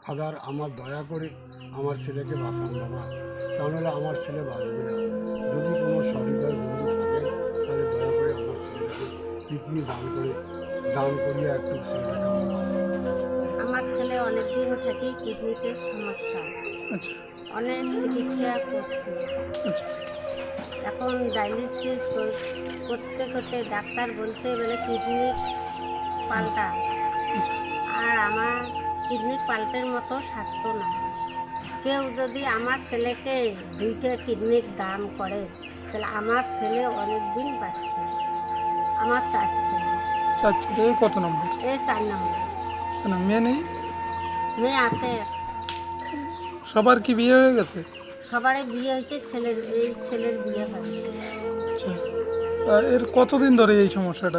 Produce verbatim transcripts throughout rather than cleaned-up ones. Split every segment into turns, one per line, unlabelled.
Father আমার দয়া করে আমার ছেলেকে বাঁচান বাবা, তাহলে আমার ছেলে বাঁচবে না। যদি কোনো সহৃদয় বন্ধু থাকেন তাহলে দয়া করে আমার ছেলেকে কিডনি দান করে দান করিয়ে একটু ছেলেটাকে আমার বাঁচান।
আমার ছেলে অনেক দিন থেকে কিডনিতে সমস্যা,
আচ্ছা
অনেক চিকিৎসা করছে।
আচ্ছা
এখন ডায়ালিসিস করতে করতে ডাক্তার বলছে বলে কিডনি পাল্টা, আর আমার কিডনি পাল্টের মতো স্বাস্থ্য না। কেউ যদি আমার ছেলেকে দুইটা কিডনির দান করে তাহলে আমার ছেলে অনেক দিন বাঁচবে। আমার চার ছেলে,
চার ছেলে কত নম্বর?
এই চার নম্বর।
কেন মেয়ে নেই?
মেয়ে আছে,
সবার কি বিয়ে হয়ে গেছে?
সবারই বিয়ে হয়েছে, ছেলের এই ছেলের বিয়ে হয়।
আচ্ছা আহ, এর কতদিন ধরে এই সমস্যাটা?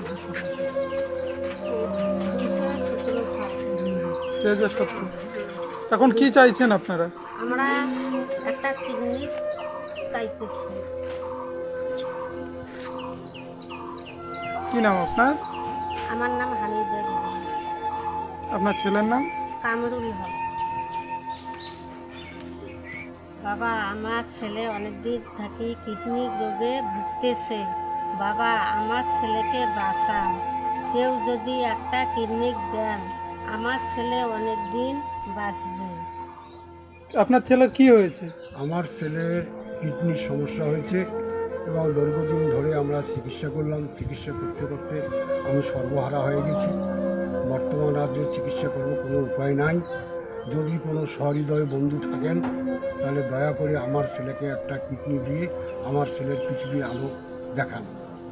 দুই হাজার সতেরো। এখন কি চাইছেন আপনারা?
আমরা একটা কিডনি চাইতেছি।
কি নাম আপনার?
আমার নাম হামিদুর রহমান।
আপনার ছেলের নাম?
কামরুল হক। বাবা, আমার ছেলে অনেক দিন থেকে কিডনি রোগে ভুগতেছে। বাবা, আমার ছেলেকে বাঁচান। কেউ যদি একটা কিডনি দেন আমার ছেলে অনেক দিন বাঁচবে।
আপনার ছেলের কি হয়েছে?
আমার ছেলের কিডনির সমস্যা হয়েছে এবং দীর্ঘদিন ধরে আমরা চিকিৎসা করলাম। চিকিৎসা করতে করতে আমি সর্বহারা হয়ে গেছি। বর্তমান আর যে চিকিৎসা করবো কোনো উপায় নাই। যদি কোনো সহৃদয় বন্ধু থাকেন তাহলে দয়া করে আমার ছেলেকে একটা কিডনি দিয়ে আমার ছেলের পৃথিবীর আলো দেখান।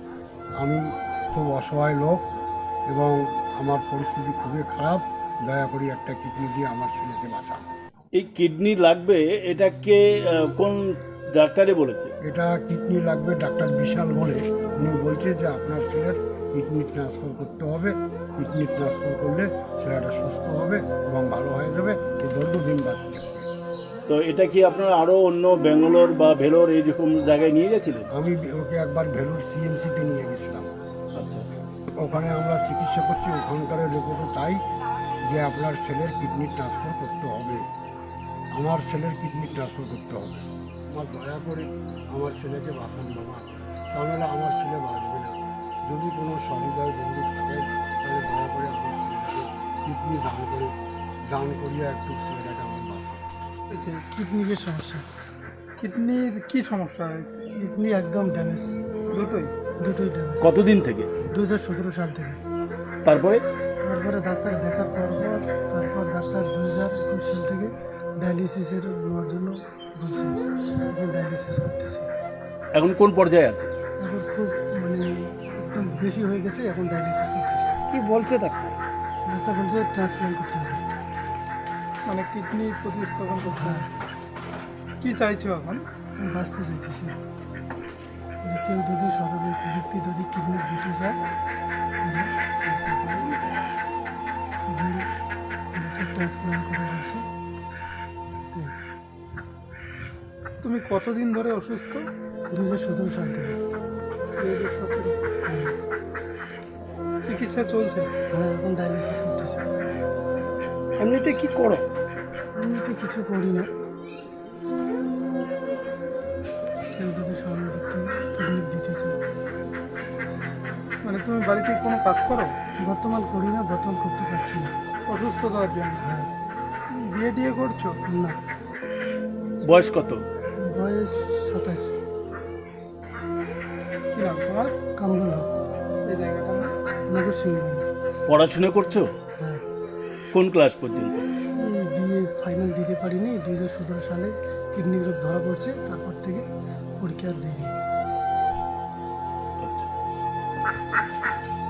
আমি খুব অসহায় লোক এবং আমার পরিস্থিতি খুবই খারাপ। দয়া করে একটা কিডনি দিয়ে আমার ছেলেকে বাঁচান।
এই কিডনি লাগবে, এটাকে আহ, কোন ডাক্তারে বলেছে?
এটা কিডনি লাগবে ডাক্তার বিশাল বলে উনি বলছে যে আপনার ছেলের কিডনি ট্রান্সফার করতে হবে। কিডনি ট্রান্সফার করলে ছেলেটা সুস্থ হবে এবং ভালো হয়ে যাবে, এই দীর্ঘদিন বাঁচতে থাকবে।
তো এটা কি আপনারা আরো অন্য ব্যাঙ্গালোর বা ভেলোর এইরকম জায়গায় নিয়ে গেছিলেন?
আমি ওকে একবার ভেলুর সিএমসিতে নিয়ে গেছিলাম।
আচ্ছা,
ওখানে আমরা চিকিৎসা করছি। ওখানকার রিপোর্টও তাই যে আপনার ছেলের কিডনি ট্রান্সফার করতে হবে। আমার ছেলের কিডনি ট্রান্সফার করতে হবে। আমার দয়া করে আমার ছেলেকে বাঁচান বাবা, তাহলে আমার ছেলে বাঁচবে না। যদি কোনো সহৃদয় বন্ধু থাকেন তাহলে দয়া করে আমার ছেলেকে কিডনি দান করে দান করিয়ে একটু ছেলেটাকে আমার বাঁচান।
কিডনির সমস্যা। কিডনির কি সমস্যা হয়েছে?
কিডনি একদম ড্যামেজ,
দুটোই?
দুটোই ড্যামেজ।
কতদিন থেকে?
দু হাজার সতেরো সাল থেকে।
তারপরে
তারপরে ডাক্তার দেখার পর পর তারপর ডাক্তার দু হাজার একুশ সাল থেকে ডায়ালিসিসের নেওয়ার জন্য বলছে। এখন ডায়ালিসিস করতেছে।
এখন কোন পর্যায়ে আছে?
এখন খুব মানে একদম বেশি হয়ে গেছে, এখন ডায়ালিসিস করতেছে।
কি বলছে ডাক্তার?
ডাক্তার বলছে ট্রান্সপ্লান্ট করতে হবে।
মানে কিডনি প্রতিস্থাপন করতে হবে। কি চাইছো এখন?
আমি বাঁচতে চাইতেছি। যে কেউ যদি সরকারি ব্যক্তি যদি কিডনি দিতে চায় কিডনি ট্রান্সপ্লান্ট করে বলছে। তো
তুমি কতদিন ধরে অসুস্থ?
দু হাজার সতেরো সাল থেকে।
দুই হাজার সতেরো। চিকিৎসা চলছে?
হ্যাঁ, এখন ডায়ালিসিস করতেছে।
এমনিতে কি করো?
আমি তো কিছু করি না। কেউ যদি সরকারি ব্যক্তি কিডনি দিতে চায়।
মানে তুমি বাড়িতে কোনো কাজ করো?
বর্তমান করি না, বর্তমান করতে পারছি না।
অসুস্থতার জন্য?
হ্যাঁ।
বিয়ে টিয়ে করছো?
না,
বয়স কত?
বয়স সাতাশ।
কি নাম তোমার?
কামরুল হক,
এই জায়গাটা না?
নগর সিংহ।
পড়াশোনা করছো?
হ্যাঁ,
কোন ক্লাস পর্যন্ত?
এই বিয়ে ফাইনাল দিতে পারিনি। দুই হাজার সতেরো সালে কিডনি রোগ ধরা পড়ছে, তারপর থেকে পরীক্ষা আর দিইনি।
আচ্ছা।